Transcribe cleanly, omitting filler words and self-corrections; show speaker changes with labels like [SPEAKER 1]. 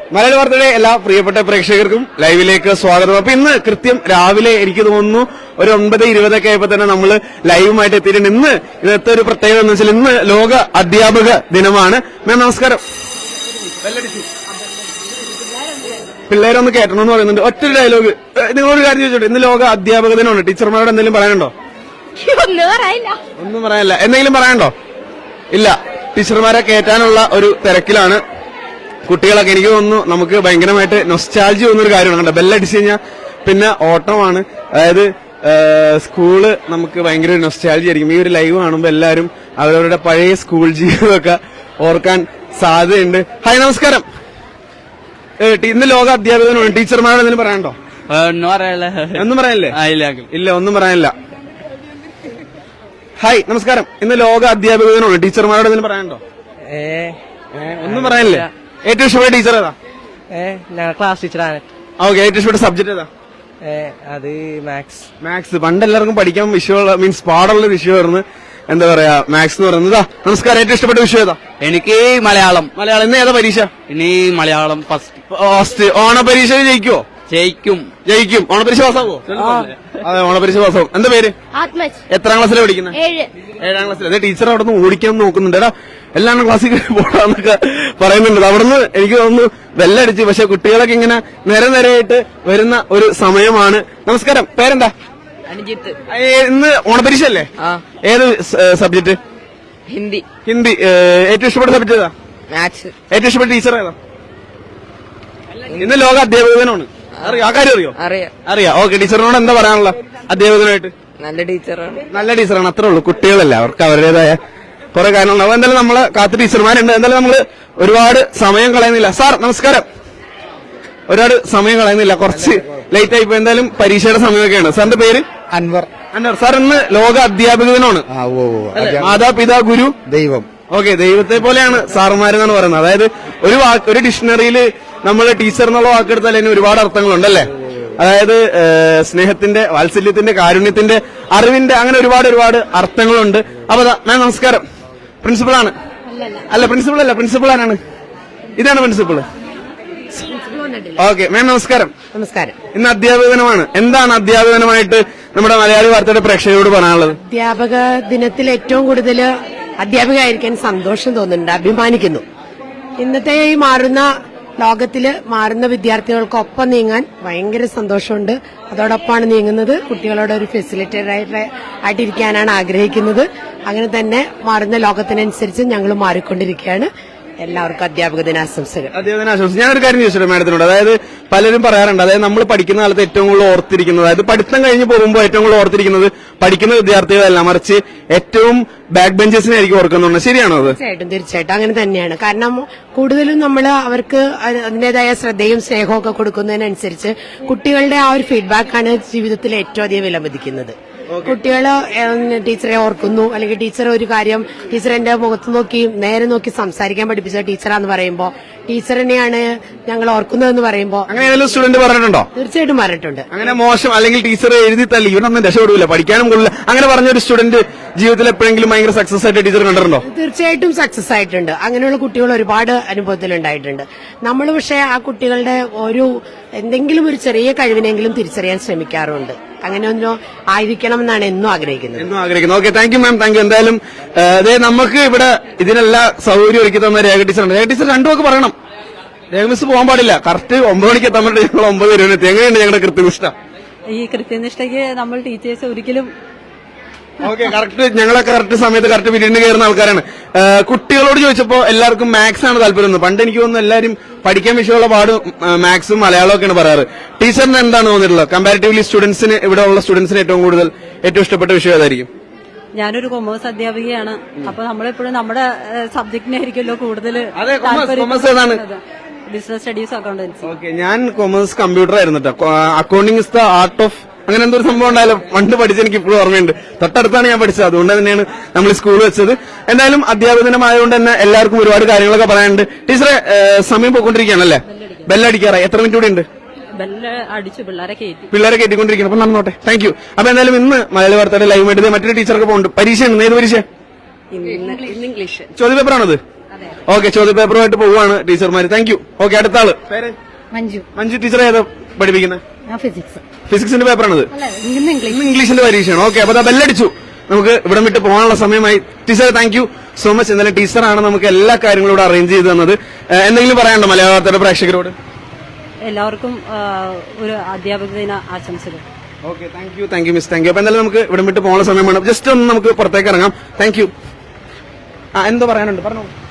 [SPEAKER 1] മലയാളി വാർത്തയുടെ എല്ലാ പ്രിയപ്പെട്ട പ്രേക്ഷകർക്കും ലൈവിലേക്ക് സ്വാഗതം. അപ്പൊ ഇന്ന് കൃത്യം രാവിലെ എനിക്ക് തോന്നുന്നു ഒരു 9:20 ആയപ്പോ തന്നെ നമ്മൾ ലൈവുമായിട്ട് എത്തിയിട്ടുണ്ട്. ഇന്ന് ഇന്നത്തെ ഒരു പ്രത്യേകത എന്ന് വെച്ചാൽ ഇന്ന് ലോക അധ്യാപക ദിനമാണ്. മാം നമസ്കാരം. പിള്ളേരൊന്ന് കേട്ടണമെന്ന് പറയുന്നുണ്ട്. ഒറ്റ ഡയലോഗ് നിങ്ങളൊരു കാര്യം ചോദിച്ചോട്ടെ, ഇന്ന് ലോക അധ്യാപക ദിനമാണ്. ടീച്ചർമാരോട് എന്തെങ്കിലും പറയാനുണ്ടോ? ഒന്നും പറയാനില്ല. എന്തെങ്കിലും പറയാനുണ്ടോ? ഇല്ല. ടീച്ചർമാരെ കയറ്റാനുള്ള ഒരു തിരക്കിലാണ് കുട്ടികളൊക്കെ. എനിക്ക് തോന്നുന്നു നമുക്ക് ഭയങ്കരമായിട്ട് നൊസ്റ്റാൾജി തോന്നുന്നൊരു കാര്യമാണ്. കണ്ടോ, ബെല്ലടിച്ചു കഴിഞ്ഞാൽ പിന്നെ ഓട്ടമാണ്. അതായത് സ്കൂള് നമുക്ക് ഭയങ്കര നൊസ്റ്റാൾജി ആയിരിക്കും. ഈ ഒരു ലൈവ് കാണുമ്പോൾ എല്ലാവരും അവരവരുടെ പഴയ സ്കൂൾ ജീവിതമൊക്കെ ഓർക്കാൻ സാധ്യതയുണ്ട്. ഹായ് നമസ്കാരം. ഇന്ന് ലോക അധ്യാപക ദിനമാണ്. ടീച്ചർമാരോട് എന്തെങ്കിലും പറയാനുണ്ടോ? ഒന്നും പറയാനില്ലേ? ഇല്ല, ഒന്നും പറയാനില്ല. ഹായ് നമസ്കാരം. ഇന്ന് ലോക അധ്യാപക ദിനമാണ്. ടീച്ചർമാരോട് എന്തെങ്കിലും പറയാനുണ്ടോ? ഒന്നും പറയാനില്ലേ? ഏറ്റവും ഇഷ്ടപ്പെട്ട ടീച്ചർ ഏതാ?
[SPEAKER 2] ക്ലാസ് ടീച്ചറാണ്.
[SPEAKER 1] ഓക്കെ. ഏറ്റവും ഇഷ്ടപ്പെട്ട സബ്ജക്ട് ഏതാ?
[SPEAKER 2] അത്
[SPEAKER 1] മാത്സ്. പണ്ട് എല്ലാവർക്കും പഠിക്കാൻ വിഷയമുള്ള മീൻസ് പാടുള്ള വിഷയമായിരുന്നു. എന്താ പറയാ, മാത്സ് എന്ന് പറയുന്നത്. നമസ്കാരം. ഏറ്റവും ഇഷ്ടപ്പെട്ട വിഷയം ഏതാ?
[SPEAKER 2] എനിക്ക് മലയാളം.
[SPEAKER 1] ഇന്ന് ഏതാ പരീക്ഷ?
[SPEAKER 2] ഇനി മലയാളം
[SPEAKER 1] ഫസ്റ്റ്. ഓണപരീക്ഷ ജയിക്കുവോ? ജയിക്കും. ഓണപരീക്ഷ പാസ്സാവോ? അതെ, ഓണപരീക്ഷ പാസ്സാവും. എന്താ പേര്? എത്രാം ക്ലാസ്സിലാണ് പഠിക്കുന്നത്? 7ാം ക്ലാസ്സിൽ. അതെ, ടീച്ചർ അവിടെ നിന്ന് ഓടിക്കാൻ നോക്കുന്നുണ്ട്. എടാ എല്ലാം ക്ലാസ്സിൽ പോടാന്നൊക്കെ പറയുന്നുണ്ട്. അവിടുന്ന് എനിക്ക് തോന്നുന്നു വെല്ലടിച്ച്. പക്ഷെ കുട്ടികളൊക്കെ ഇങ്ങനെ നിരനിരയായിട്ട് വരുന്ന ഒരു സമയമാണ്. നമസ്കാരം. പേരെന്താ? ഇന്ന് ഓണപരീക്ഷ അല്ലേ? ഏത് സബ്ജക്ട്?
[SPEAKER 2] ഹിന്ദി.
[SPEAKER 1] ഏറ്റവും ഇഷ്ടപ്പെട്ട സബ്ജക്ട് ഏതാ?
[SPEAKER 2] മാത്സ്.
[SPEAKER 1] ഏറ്റവും ഇഷ്ടപ്പെട്ട ടീച്ചർ ഏതാ? ഇന്ന് ലോക അധ്യാപക ദിനമാണ്. ആ കാര്യം അറിയാം. ഓക്കെ. ടീച്ചറിനോട് എന്താ പറയാനുള്ള അധ്യാപകനായിട്ട്? നല്ല ടീച്ചറാണ്. അത്രേ ഉള്ളൂ. കുട്ടികളല്ല, അവർക്ക് അവരുടേതായ കുറെ കാര്യങ്ങളുണ്ടാവും. എന്തായാലും നമ്മളെ കാത്ത് ടീച്ചർമാരുണ്ട്. എന്തായാലും നമ്മള് ഒരുപാട് സമയം കളയുന്നില്ല. സാർ നമസ്കാരം. ഒരുപാട് സമയം കളയുന്നില്ല, കുറച്ച് ലേറ്റ് ആയിപ്പോ. എന്തായാലും പരീക്ഷയുടെ സമയമൊക്കെയാണ്. സാറിന്റെ പേര്?
[SPEAKER 3] അൻവർ.
[SPEAKER 1] സാർ ഇന്ന് ലോക അധ്യാപക ദിനമാണ്. മാതാപിതാ ഗുരു ദൈവം. ഓക്കെ. ദൈവത്തെ പോലെയാണ് സാറുമാരെന്നാണ് പറയുന്നത്. അതായത് ഒരു ഡിക്ഷണറിയിൽ നമ്മൾ ടീച്ചർ എന്നുള്ള വാക്കെടുത്താൽ അതിന് ഒരുപാട് അർത്ഥങ്ങളുണ്ടല്ലേ? അതായത് സ്നേഹത്തിന്റെ, വാത്സല്യത്തിന്റെ, കാരുണ്യത്തിന്റെ, അറിവിന്റെ, അങ്ങനെ ഒരുപാട് അർത്ഥങ്ങളുണ്ട്. അപ്പൊ മാം നമസ്കാരം. പ്രിൻസിപ്പളാണ്? അല്ല, പ്രിൻസിപ്പൾ ആരാണ്? ഇതാണ് പ്രിൻസിപ്പൾ. ഓക്കെ. മാം നമസ്കാരം. ഇന്ന് അധ്യാപക ദിനമാണ്. എന്താണ് അധ്യാപക ദിനമായിട്ട് നമ്മുടെ മലയാളി വാർത്തയുടെ പ്രേക്ഷകരോട് പറയാനുള്ളത്?
[SPEAKER 4] അധ്യാപക ദിനത്തിൽ ഏറ്റവും കൂടുതൽ അധ്യാപികയായിരിക്കാൻ സന്തോഷം തോന്നുന്നുണ്ട്, അഭിമാനിക്കുന്നു. ഇന്നത്തെ ഈ മാറുന്ന ലോകത്തില് മാറുന്ന വിദ്യാർത്ഥികൾക്കൊപ്പം നീങ്ങാൻ ഭയങ്കര സന്തോഷമുണ്ട്. അതോടൊപ്പമാണ് നീങ്ങുന്നത്. കുട്ടികളോട് ഒരു ഫെസിലിറ്റേറ്റർ ആയിട്ടിരിക്കാനാണ് ആഗ്രഹിക്കുന്നത്. അങ്ങനെ തന്നെ മാറുന്ന ലോകത്തിനനുസരിച്ച് ഞങ്ങൾ മാറിക്കൊണ്ടിരിക്കുകയാണ്. എല്ലാവർക്കും അധ്യാപക ദിനാശംസകൾ.
[SPEAKER 1] ഞാനൊരു കാര്യം ചോദിച്ചിട്ടുണ്ട് മാഡത്തിനോട്. അതായത് പലരും പറയാറുണ്ട്, അതായത് നമ്മൾ പഠിക്കുന്ന കാലത്ത് ഏറ്റവും കൂടുതൽ ഓർത്തിരിക്കുന്നത്, അതായത് പഠിത്തം കഴിഞ്ഞ് പോകുമ്പോൾ ഏറ്റവും കൂടുതൽ ഓർത്തിരിക്കുന്നത് പഠിക്കുന്ന വിദ്യാർത്ഥികളല്ല, മറിച്ച് ഏറ്റവും ബാക്ക് ബെഞ്ചസിനായിരിക്കും ഓർക്കുന്നുണ്ട്. ശരിയാണോ അത്?
[SPEAKER 4] തീർച്ചയായിട്ടും അങ്ങനെ തന്നെയാണ്. കാരണം കൂടുതലും നമ്മൾ അവർക്ക് അതിന്റേതായ ശ്രദ്ധയും സ്നേഹവും ഒക്കെ കൊടുക്കുന്നതിനനുസരിച്ച് കുട്ടികളുടെ ആ ഒരു ഫീഡ്ബാക്കാണ് ജീവിതത്തിൽ ഏറ്റവും അധികം വിലമതിക്കുന്നത്. കുട്ടികള് ടീച്ചറെ ഓർക്കുന്നു, അല്ലെങ്കിൽ ടീച്ചർ ഒരു കാര്യം ടീച്ചറിന്റെ മുഖത്ത് നോക്കി നേരെ നോക്കി സംസാരിക്കാൻ പഠിപ്പിച്ച ടീച്ചറാന്ന് പറയുമ്പോ ടീച്ചറിനെയാണ് ഞങ്ങൾ ഓർക്കുന്നതെന്ന് പറയുമ്പോ
[SPEAKER 1] അങ്ങനെ സ്റ്റുഡന്റ് പറഞ്ഞിട്ടുണ്ടോ?
[SPEAKER 4] തീർച്ചയായിട്ടും പറഞ്ഞിട്ടുണ്ട്.
[SPEAKER 1] അങ്ങനെ മോശം അല്ലെങ്കിൽ ടീച്ചർ എഴുതി തല്ലി ഇവനൊന്നും രക്ഷപ്പെടില്ല, പഠിക്കാനും കൊള്ളില്ല, അങ്ങനെ പറഞ്ഞൊരു സ്റ്റുഡന്റ് ജീവിതത്തിൽ എപ്പോഴെങ്കിലും ഭയങ്കര സക്സസ് ആയിട്ട് ടീച്ചർ കണ്ടിട്ടുണ്ടോ?
[SPEAKER 4] തീർച്ചയായിട്ടും സക്സസ് ആയിട്ടുണ്ട്. അങ്ങനെയുള്ള കുട്ടികൾ ഒരുപാട് അനുഭവത്തിലുണ്ടായിട്ടുണ്ട്. നമ്മൾ പക്ഷേ ആ കുട്ടികളുടെ എന്തെങ്കിലും ഒരു ചെറിയ കഴിവിനെങ്കിലും തിരിച്ചറിയാൻ ശ്രമിക്കാറുണ്ട്. അങ്ങനെ ഒന്നും ആയിരിക്കണം എന്നാണ് എന്നും ആഗ്രഹിക്കുന്നത്.
[SPEAKER 1] Okay. Thank you ma'am. Thank you. എന്തായാലും നമുക്ക് ഇവിടെ ഇതിനെല്ലാം സൗകര്യം ഒരുക്കി തന്ന രേഖ ടീച്ചറുണ്ട്. രേഖ ടീച്ചർ രണ്ടു വാക്ക് പറയണം. രേഖ മിസ് പോകാൻ പാടില്ല. കറക്റ്റ് 9 മണിക്ക് എത്താൻ വേണ്ടി ഞങ്ങൾ 9 വരെ എത്തി. എങ്ങനെയുണ്ട് ഞങ്ങളുടെ കൃത്യനിഷ്ഠ?
[SPEAKER 5] ഈ കൃത്യനിഷ്ഠയ്ക്ക് നമ്മൾ ടീച്ചേഴ്സ് ഒരിക്കലും
[SPEAKER 1] ഓക്കെ. ഞങ്ങളൊക്കെ കറക്റ്റ് സമയത്ത് കറക്റ്റ് പീരീഡിന് കയറുന്ന ആൾക്കാരാണ്. കുട്ടികളോട് ചോദിച്ചപ്പോ എല്ലാവർക്കും മാത്സ് ആണ് താല്പര്യം. പണ്ട് എനിക്ക് തോന്നുന്നു എല്ലാവരും പഠിക്കാൻ വിഷയമുള്ള പാട് മാത്സും മലയാളവും ഒക്കെയാണ് പറയാറ്. ടീച്ചറിന് എന്താണ് തോന്നിയിട്ടുള്ളത്? കമ്പാരിറ്റീവ്ലി സ്റ്റുഡൻസിന്, ഇവിടെ ഉള്ള സ്റ്റുഡൻസിന് ഏറ്റവും ഇഷ്ടപ്പെട്ട വിഷയം ഏതായിരിക്കും?
[SPEAKER 5] ഞാനൊരു കൊമേഴ്സ് അധ്യാപികയാണ്. അപ്പൊ നമ്മളെപ്പോഴും നമ്മുടെ സബ്ജക്റ്റിനായിരിക്കുമല്ലോ കൂടുതൽ ബിസിനസ് സ്റ്റഡീസ്, അക്കൗണ്ടൻസി.
[SPEAKER 1] ഓക്കെ. ഞാൻ കൊമേഴ്സ് കമ്പ്യൂട്ടർ ആയിരുന്നു കേട്ടോ. Accounting is the art of അങ്ങനെ എന്തോ ഒരു സംഭവം ഉണ്ടായാലും പണ്ട് പഠിച്ച് എനിക്ക് ഇപ്പോഴും ഓർമ്മയുണ്ട്. തൊട്ടടുത്താണ് ഞാൻ പഠിച്ചത്. അതുകൊണ്ട് തന്നെയാണ് നമ്മൾ സ്കൂൾ വെച്ചത്. എന്തായാലും അധ്യാപക ദിനമായതുകൊണ്ട് തന്നെ എല്ലാവർക്കും ഒരുപാട് കാര്യങ്ങളൊക്കെ പറയാനുണ്ട്. ടീച്ചറെ സമയം പോയിക്കൊണ്ടിരിക്കുകയാണല്ലേ? ബെല്ലടിക്കാറായി. എത്ര മിനിറ്റ് കൂടി ഉണ്ട്? പിള്ളേരെ കയറ്റിക്കൊണ്ടിരിക്കണം. അപ്പൊ നടന്നോട്ടെ. Thank you. അപ്പൊ എന്തായാലും ഇന്ന് മലയാളി വാർത്തയുടെ ലൈവ് ആയിട്ട് മറ്റൊരു ടീച്ചർക്ക് പോകുന്നുണ്ട്. പരീക്ഷ ഉണ്ട്. ഏത് പരീക്ഷ?
[SPEAKER 5] ഇംഗ്ലീഷ്.
[SPEAKER 1] ചോദ്യപേപ്പറാണത്? ഓക്കെ, ചോദ്യപേപ്പറുമായിട്ട് പോവുകയാണ് ടീച്ചർമാര്. Thank you. ഓക്കെ, അടുത്ത ആള് പേര്
[SPEAKER 5] മഞ്ജു.
[SPEAKER 1] മഞ്ജു ടീച്ചർ ഏതാ പഠിപ്പിക്കുന്നത്?
[SPEAKER 5] ഞാൻ ഫിസിക്സ്.
[SPEAKER 1] ഫിസിക്സിന്റെ പേപ്പറാണിത്.
[SPEAKER 5] ഇന്ന് ഇംഗ്ലീഷ്.
[SPEAKER 1] ഇന്ന് ഇംഗ്ലീഷിന്റെ പരീക്ഷയാണ്. ഓക്കെ, അപ്പൊ ബെല്ലടിച്ചു. നമുക്ക് ഇവിടെ വിട്ട് പോകാനുള്ള സമയമായി. Teacher thank you so much. എന്നാലും ടീച്ചറാണ് നമുക്ക് എല്ലാ കാര്യങ്ങളും ഇവിടെ അറേഞ്ച് ചെയ്ത് തന്നത്. എന്തെങ്കിലും പറയാനുണ്ടോ മലയാള വാർത്തയുടെ പ്രേക്ഷകരോട്?
[SPEAKER 5] എല്ലാവർക്കും ഒരു അധ്യാപക ദിന ആശംസകൾ.
[SPEAKER 1] Okay, thank you miss. Thank you. അപ്പൊ എന്തായാലും നമുക്ക് ഇവിടെ വിട്ട് പോകാനുള്ള സമയമാണ്. ജസ്റ്റ് ഒന്ന് നമുക്ക് പുറത്തേക്ക് ഇറങ്ങാം. Thank you. എന്തോ പറയാനുണ്ട്, പറഞ്ഞോ.